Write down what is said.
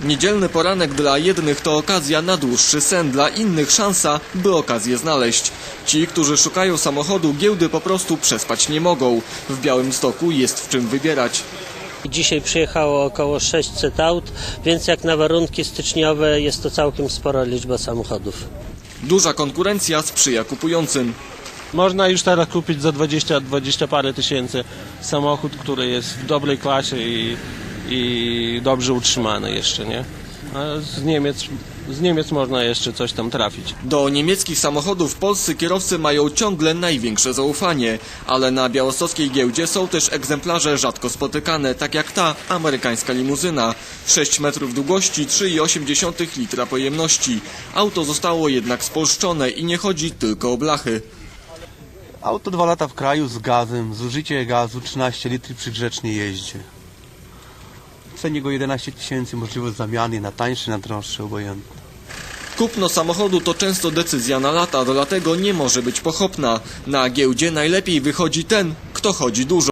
Niedzielny poranek dla jednych to okazja na dłuższy sen, dla innych szansa, by okazję znaleźć. Ci, którzy szukają samochodu, giełdy po prostu przespać nie mogą. W Białymstoku jest w czym wybierać. Dzisiaj przyjechało około 600 aut, więc jak na warunki styczniowe jest to całkiem spora liczba samochodów. Duża konkurencja sprzyja kupującym. Można już teraz kupić za 20 parę tysięcy samochód, który jest w dobrej klasie i dobrze utrzymany jeszcze, nie? A z Niemiec można jeszcze coś tam trafić. Do niemieckich samochodów polscy kierowcy mają ciągle największe zaufanie, ale na białostockiej giełdzie są też egzemplarze rzadko spotykane, tak jak ta amerykańska limuzyna. 6 metrów długości, 3,8 litra pojemności. Auto zostało jednak spolszczone i nie chodzi tylko o blachy. Auto 2 lata w kraju z gazem, zużycie gazu 13 litrów przy grzecznej jeździe. W cenie go 11 tysięcy, możliwość zamiany na tańszy, na droższy, obojętny. Kupno samochodu to często decyzja na lata, dlatego nie może być pochopna. Na giełdzie najlepiej wychodzi ten, kto chodzi dużo.